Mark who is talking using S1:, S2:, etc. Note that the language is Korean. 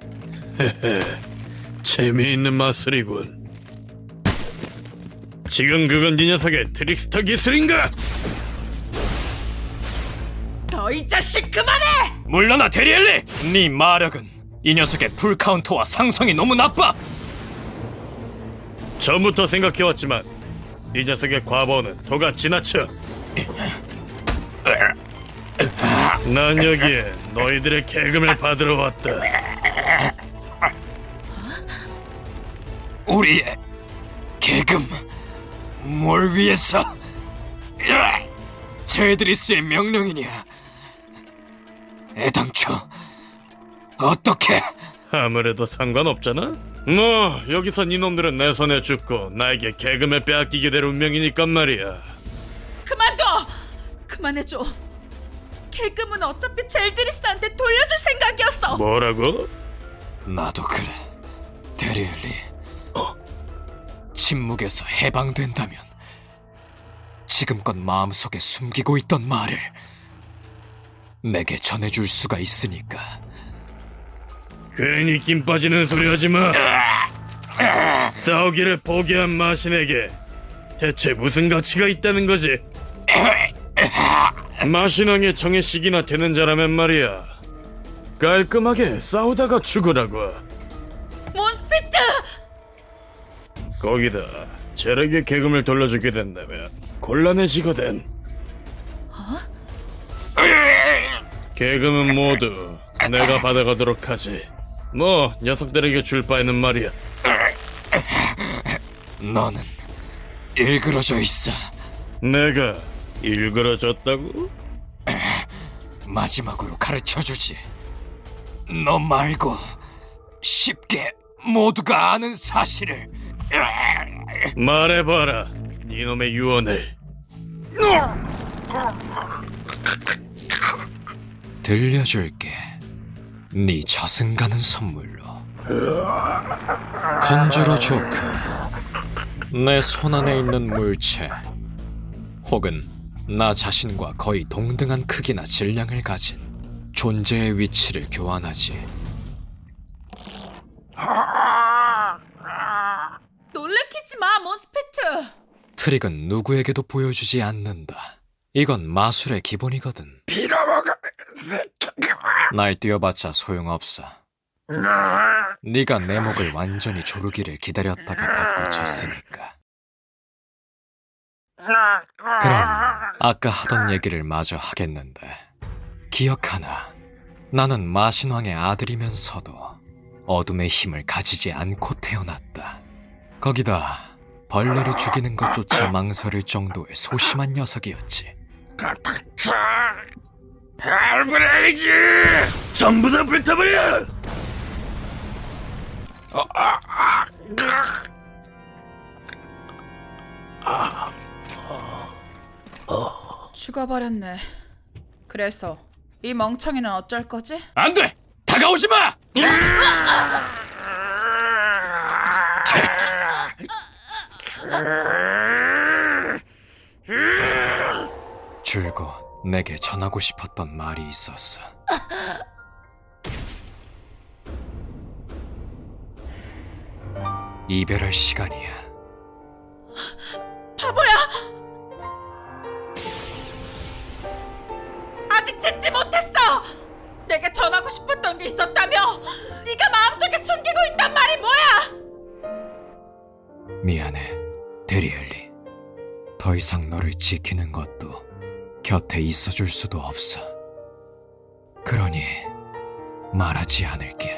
S1: 재미있는 마술이군. 지금 그건 네 녀석의 트릭스터 기술인가?
S2: 너 이 자식 그만해!
S3: 물러나 데리엘리! 네 마력은 이 녀석의 풀카운터와 상성이 너무 나빠!
S1: 전부터 생각해왔지만 이 녀석의 과보는 도가 지나쳐. 난 여기에 너희들의 계금을 받으러 왔다.
S3: 우리의 계금 뭘 위해서? 제드리스의 명령이냐? 애당초 어떻게?
S1: 아무래도 상관없잖아? 뭐 여기서 니놈들은 내 손에 죽고 나에게 계금을 빼앗기게 될 운명이니까 말이야.
S2: 그만둬! 그만해줘. 계금은 어차피 젤드리스한테 돌려줄 생각이었어.
S1: 뭐라고?
S3: 나도 그래, 데리엘리. 침묵에서 해방된다면 지금껏 마음속에 숨기고 있던 말을 내게 전해줄 수가 있으니까.
S1: 괜히 김 빠지는 소리 하지마. 싸우기를 포기한 마신에게 대체 무슨 가치가 있다는 거지? 마신왕의 정의식이나 되는 자라면 말이야, 깔끔하게 싸우다가 죽으라고.
S2: 몬스피트!
S1: 거기다 젤에게 계금을 돌려주게 된다면 곤란해지거든. 계금은 모두 내가 받아가도록 하지. 뭐 녀석들에게 줄 바에는 말이야.
S3: 너는 일그러져 있어.
S1: 내가 일그러졌다고?
S3: 마지막으로 가르쳐주지. 너 말고 쉽게 모두가 아는 사실을.
S1: 말해봐라, 니놈의 유언을.
S3: 들려줄게. 네 저승가는 선물로. 컨주러 조크, 내 손안에 있는 물체 혹은 나 자신과 거의 동등한 크기나 질량을 가진 존재의 위치를 교환하지.
S2: 놀래키지 마, 몬스피트!
S3: 트릭은 누구에게도 보여주지 않는다. 이건 마술의 기본이거든. 날 띄워봤자 소용없어. 네가 내 목을 완전히 조르기를 기다렸다가 바꿔쳤으니까. 그럼 아까 하던 얘기를 마저 하겠는데, 기억하나? 나는 마신왕의 아들이면서도 어둠의 힘을 가지지 않고 태어났다. 거기다 벌레를 죽이는 것조차 망설일 정도의 소심한 녀석이었지.
S1: 알브레이즈! 전부 다 뱉어버려!
S2: 죽어버렸네. 그래서 이 멍청이는 어쩔 거지?
S3: 안 돼! 다가오지 마! 줄곧 내게 전하고 싶었던 말이 있었어. 이별할 시간이야.
S2: 바보야! 아직 듣지 못했어! 내가 전하고 싶었던 게 있었다며! 네가 마음속에 숨기고 있단 말이 뭐야!
S3: 미안해, 데리엘리. 더 이상 너를 지키는 것도 곁에 있어줄 수도 없어. 그러니 말하지 않을게.